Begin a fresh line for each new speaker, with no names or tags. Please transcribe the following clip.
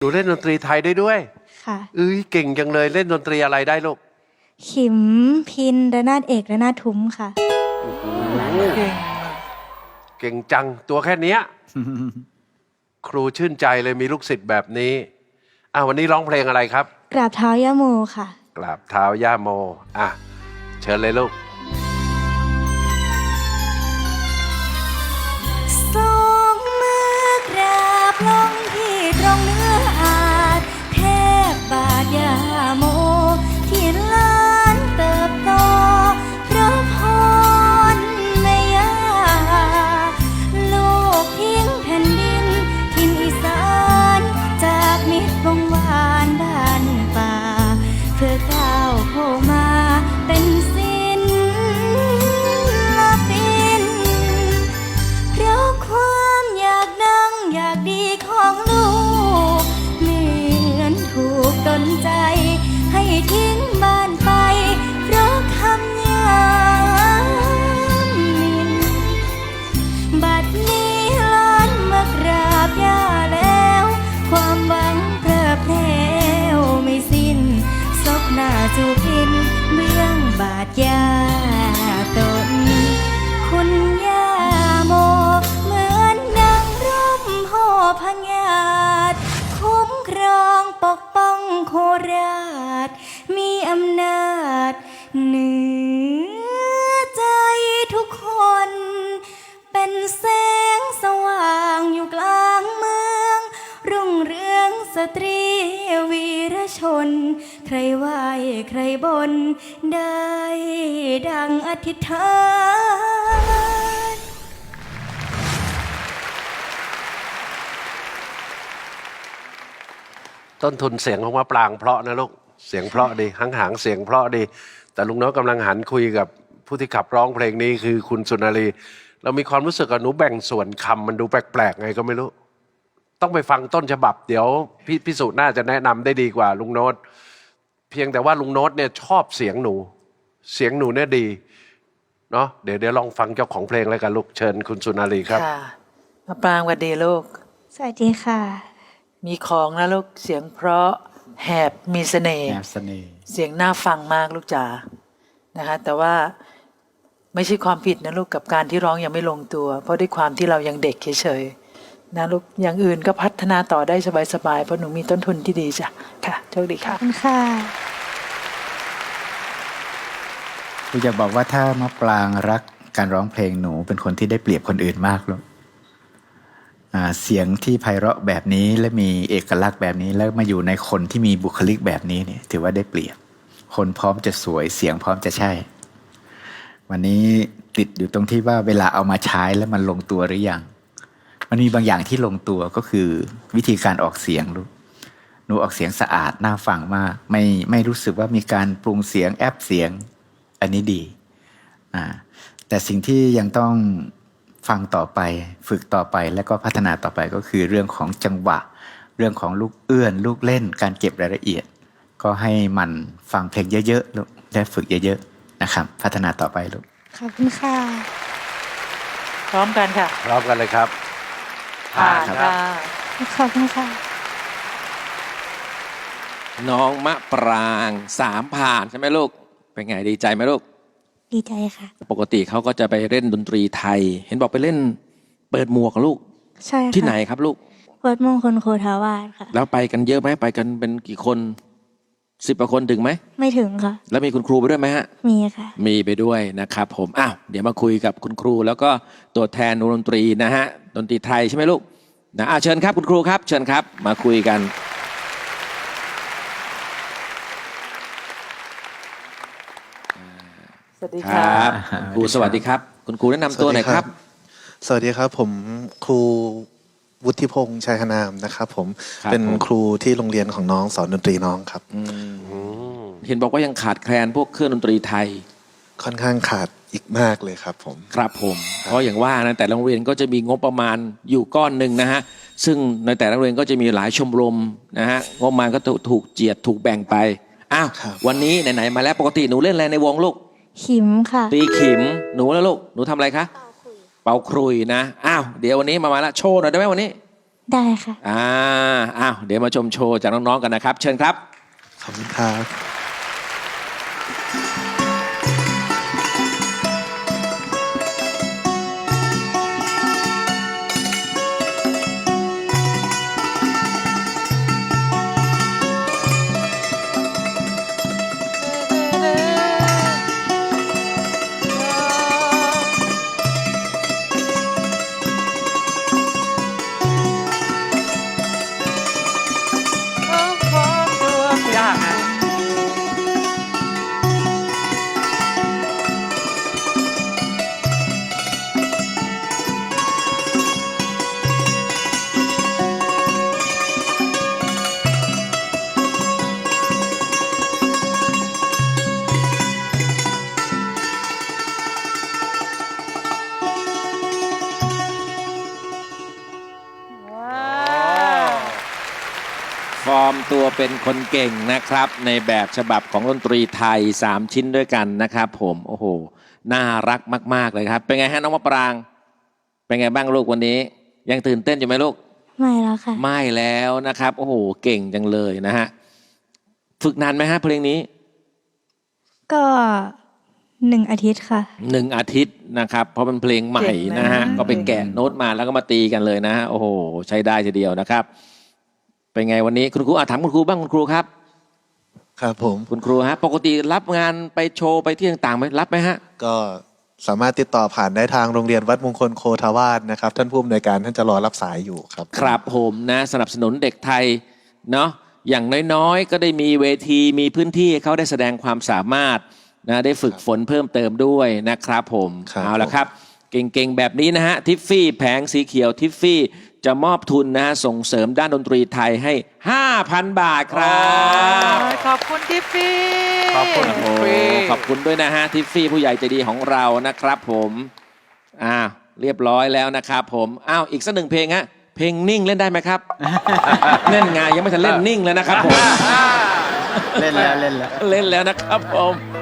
หนูเล่นดนตรีไทยได้ด้วย
ค่ะ
เก่งจังเลยเล่นดนตรีอะไรได้ลูก
ขิมพินระนาดเอกระนาดทุ้มค่ะ
เก่งจังตัวแค่เนี้ย ครูชื่นใจเลยมีลูกศิษย์แบบนี้วันนี้ร้องเพลงอะไรครับ
กราบเท้าย่าโมค่ะ
กราบเท้าย่าโมเชิญเลยลูก
สองมือกราบลงที่ตรงเนื้ออาจแทบบาทย่าโมที่ล้านเติบโตเพราะพรแม่ย่าลูกทิ้งแผ่นดินถิ่นอีสานจากมิตรวงวานบ้านป่าเพื่อก้าวเข้ามาเป็นศิลปินเพราะความอยากดังอยากดีของลูกเหมือนถูกดลใจให้ทิ้งบ้านไปเพราะคำยามหมิ่นบัดนี้ล้านมากราบย่าแล้วความหวังเพลิดเพลวไม่สิ้นซบหน้าจูบกินเบื้องบาดยาตนคุณย่าโมเหมือนนางร่มโพพงาดคุ้มครองปกป้องโคราชมีอำนาจเหนือใจทุกคนเป็นแสงสว่างอยู่กลางเมืองรุ่งเรืองสตรีวีรชนใครไหวใครบนได้ดังอธิษฐาน
ต้นทุนเสียงของมะปรางเพราะนะลูกเสียงเพราะดีหางเสียงเพราะดีแต่ลุงน้อยกำลังหันคุยกับผู้ที่ขับร้องเพลงนี้คือคุณสุนารีเรามีความรู้สึกว่าหนูแบ่งส่วนคำมันดูแปลกๆไงก็ไม่รู้ต้องไปฟังต้นฉบับเดี๋ยวพี่สุน่าจะแนะนำได้ดีกว่าลุงโน้ตเพียงแต่ว่าลุงโน้ตเนี่ยชอบเสียงหนูเนี่ยดีเนาะเดี๋ยวลองฟังเจ้าของเพลงเลยกันลูกเชิญคุณสุนารีครับ
ค่ะมะปรางสวัสดีลูก
สวัสดีค่ะ
มีของนะลูกเสียงเพราะแหบมีเสน่ห์เสียงน่าฟังมากลูกจ๋านะคะแต่ว่าไม่ใช่ความผิดนะลูกกับการที่ร้องยังไม่ลงตัวเพราะด้วยความที่เรายังเด็กเฉยๆนะลูกอย่างอื่นก็พัฒนาต่อได้สบายๆเพราะหนูมีต้นทุนที่ดีจ้ะค่ะโชคดีค่ะ
ขอบคุณค่ะ
กูจะบอกว่าถ้ามะปรางรักการร้องเพลงหนูเป็นคนที่ได้เปรียบคนอื่นมากลูกเสียงที่ไพเราะแบบนี้และมีเอกลักษณ์แบบนี้แล้วมาอยู่ในคนที่มีบุคลิกแบบนี้เนี่ยถือว่าได้เปรียบคนพร้อมจะสวยเสียงพร้อมจะใช่วันนี้ติดอยู่ตรงที่ว่าเวลาเอามาใช้แล้วมันลงตัวหรือยังมันมีบางอย่างที่ลงตัวก็คือวิธีการออกเสียงลูกหนูออกเสียงสะอาดน่าฟังมากไม่รู้สึกว่ามีการปรุงเสียงแอปเสียงอันนี้ดีแต่สิ่งที่ยังต้องฟังต่อไปฝึกต่อไปแล้วก็พัฒนาต่อไปก็คือเรื่องของจังหวะเรื่องของลูกเอื้อนลูกเล่นการเก็บรายละเอียดก็ให้มันฟังเพลงเยอะๆลูกได้ฝึกเยอะๆนะครับพัฒนาต่อไปลูก
ขอบคุณค่ะ
พร้อมกันค่ะ
พร้อมกันเลยครับ
ค่ะ
ขอบคุณค่ะ
น้องมะปราง3ผ่านใช่ไหมลูกเป็นไงดีใจไหมลูก
ดีใจค่ะ
ปกติเขาก็จะไปเล่นดนตรีไทยเห็นบอกไปเล่นเปิดหมวกลูก
ใช่ค่ะ
ที่ไหนครับลูก
วัดมงคลโคทาวาสค่ะ
แล้วไปกันเยอะไหมไปกันเป็นกี่คน10 กว่าคนถึงไหม
ไม่ถึงค่ะ
แล้วมีคุณครูไปด้วยไหมฮะ
มีค่ะ
มีไปด้วยนะครับผมเดี๋ยวมาคุยกับคุณครูแล้วก็ตัวแทนดนตรีนะฮะดนตรีไทยใช่ไหมลูกนะเชิญครับคุณครูครับเชิญครับมาคุยกัน
สวัสดีครับ
ครูสวัสดีครับคุณครูแนะนำตัวหน่อยครับ
สวัสดีครับผมครูวุฒิพงษ์ชัยนามนะครับผมเป็นครูที่โรงเรียนของน้องสอนดนตรีน้องครับ
เห็นบอกว่ายังขาดแคลนพวกเครื่องดนตรีไทย
ค่อนข้างขาดอีกมากเลยครับผม
ครับผมเพราะอย่างว่านะแต่โรงเรียนก็จะมีงบประมาณอยู่ก้อนหนึ่งนะฮะซึ่งในแต่ละโรงเรียนก็จะมีหลายชมรมนะฮะงบประมาณก็ถูกเจียดถูกแบ่งไปวันนี้ไหนๆมาแล้วปกติหนูเล่นอะไรในวงลูก
ขิมค่ะ
ตีขิมหนูแล้วลูกหนูทำอะไรคะเป่าขลุ่ยนะเดี๋ยววันนี้มาละโชว์หน่อยได้ไหมวันนี้
ได้ค่ะ
อ้าวเดี๋ยวมาชมโชว์จากน้องๆกันนะครับ เชิญครับ
ขอบคุณครับ
ยากนะ
ฟอร์มตัวเป็นคนเก่งนะครับ ในแบบฉบับของดนตรีไทย 3 ชิ้นด้วยกันนะครับผมโอ้โหน่ารักมากๆเลยครับ เป็นไงฮะน้องมะปราง เป็นไงบ้างลูกวันนี้ ยังตื่นเต้นอยู่ไหมลูก
ไม่แล้วค่ะ
ไม่แล้วนะครับโอ้โหเก่งจังเลยนะฮะฝึกนานไหมฮะเพลงนี้
ก็1 อาทิตย์ค่ะ
1 อาทิตย์นะครับเพราะเป็นเพลงใหม่นะฮะ
เก่งนะ
ก็ไปแกะโน้ตมาแล้วก็มาตีกันเลยนะฮะโอ้โหใช้ได้ทีเดียวนะครับ เป็นไงวันนี้คุณครูถามคุณครูบ้างคุณครูครับ
ครับผม
คุณครูฮะปกติรับงานไปโชว์ไปที่ต่างๆไหมรับไหมฮะ
ก็สามารถติดต่อผ่านได้ทางโรงเรียนวัดมงคลโคทาวาสนะครับ ท่านผู้อำนวยการท่านจะรอรับสายอยู่ครับ
ครับผมนะสนับสนุนเด็กไทยเนาะอย่างน้อยๆ ก็ได้มีเวทีมีพื้นที่ให้เขาได้แสดงความสามารถนะได้ฝึกฝนเพิ่มเติมด้วยนะครับผม
ครับ
เอาละครับ เก่งๆ แบบนี้นะฮะทิฟฟี่แผงสีเขียวทิฟฟี่จะมอบทุนนะฮะส่งเสริมด้านดนตรีไทยให้ 5,000 บาทครับ
ขอบคุณทิฟฟี่
ขอบคุณ
โอ้โหขอบคุณด้วยนะฮะทิฟฟี่ผู้ใหญ่ใจดีของเรานะครับผมเรียบร้อยแล้วนะครับผมอีกสัก 1 เพลงฮะเพลงนิ่งเล่นได้ไหมครับ เล่นไงยังไม่ทันเล่นนิ่งเลยนะครับผม
เล่นแล้ว
เล่นแล้วนะครับผม